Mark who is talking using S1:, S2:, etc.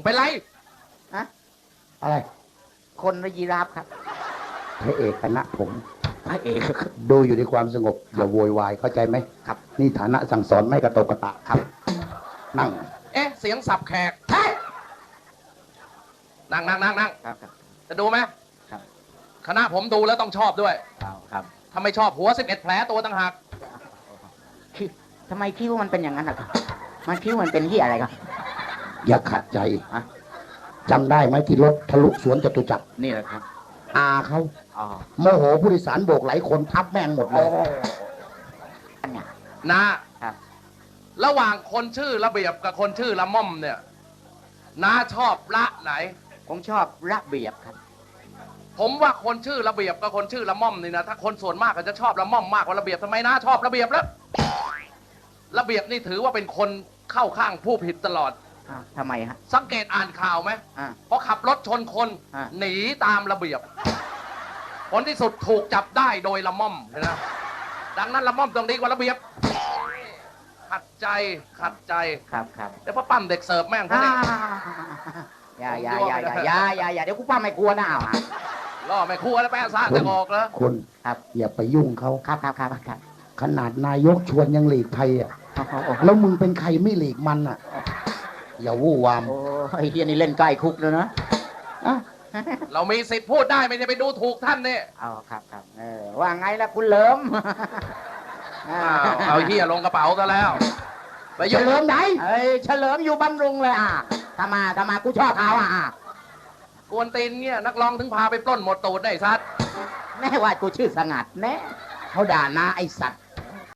S1: เป็นไร
S2: ฮะ
S3: อะไร
S2: คนหรือยีราฟครับ
S3: พระเอกคณะผม
S2: พระเอก
S3: ดูอยู่ในความสงบอย่าโวยวายเข้าใจไหม
S2: ครับ
S3: นี่ฐานะสั่งสอนไม่กระตกกระตะครับ นั่ง
S1: เอ๊ะเสียงสับแขกใช่นั่ง
S2: ครับครับ
S1: จะดูไหม
S2: ครับ
S1: คณะผมดูแล้วต้องชอบด้วย
S2: ครับ
S1: ถ้าไม่ชอบหัว11แผลตัวต่างหาก
S2: คิ้วทำไมคิ้วมันเป็นอย่างนั้นครับมันคิ้วมันเป็นที่อะไรครับ
S3: อย่าขัดใจ
S2: ฮะ
S3: จำได้ไหมที่รถทะลุสวนจตุจักร
S2: นี่แหละครับ
S3: อาเขา
S2: อ๋อ
S3: โมโหผู้โดยสารโบกหลายคนทับแม่งหมดเล
S2: โอ้
S3: ย
S2: เนี่ย
S1: นะครับ ระหว่างคนชื่อระเบียบกับคนชื่อละม่อมเนี่ยน้าชอบละไหน
S2: ผมชอบระเบียบครับ
S1: ผมว่าคนชื่อระเบียบกับคนชื่อละม่อมนี่นะถ้าคนส่วนมากก็จะชอบละม่อมมากกว่าระเบียบทำไมน้าชอบระเบียบแล้วระเบียบนี่ถือว่าเป็นคนเข้าข้างผู้ผิดตลอด
S2: ทำไมฮะ
S1: สังเกตอ่านข่าวไหม
S2: อ่า
S1: พอขับรถชนคน
S2: อ่ะ
S1: หนีตามระเบียบ ผลที่สุดถูกจับได้โดยละม่อมนะดังนั้นละม่อมต้องดีกว่าระเบียบ ขัดใจ
S2: ครับครับ
S1: เดี๋ยวพ่อปั้มเด็กเสิร์ฟแม่งเขา
S2: อ่า
S1: เนี่ย
S2: อย่าเดี๋ยวกูป้าไม่กลัวนะเอาอ่ะ
S1: ล่อไม่ครัวแล้วแปะซ่าจะออกแล้ว
S3: คุณ
S2: ครับ
S3: อย่าไปยุ่งเขา
S2: ครับครับ
S3: ขนาดนายกชวนยังหลีกภัยอ่ะ แล้วมึงเป็นใครไม่หลีกมันอ่ะ อย่าวู่วาม
S2: โอ้ไอ้เฮียนี่เล่นใกล้คุกเลยนะ
S3: อ่ะ
S1: เรามีสิทธิ์พูดได้ไม่ใช่ไปดูถูกท่านเนี่ย
S2: เอาครับว่าไงล่ะคุณเหลิม
S1: เอาเฮียลงกระเป๋าซะแล้ว ไป
S3: เฉ
S1: ยุ่ง
S3: ลิมไหน
S2: เอ้ยเฉลิมอยู่บำรุงเลยทำมากูชอบเขา
S1: กวนตีนเนี่ยนักร้องถึงพาไปปล้นหมดตูดได้ซัด
S2: แม่ว่ากูชื่อสงัดแน่เขาด่านาไอสัตว์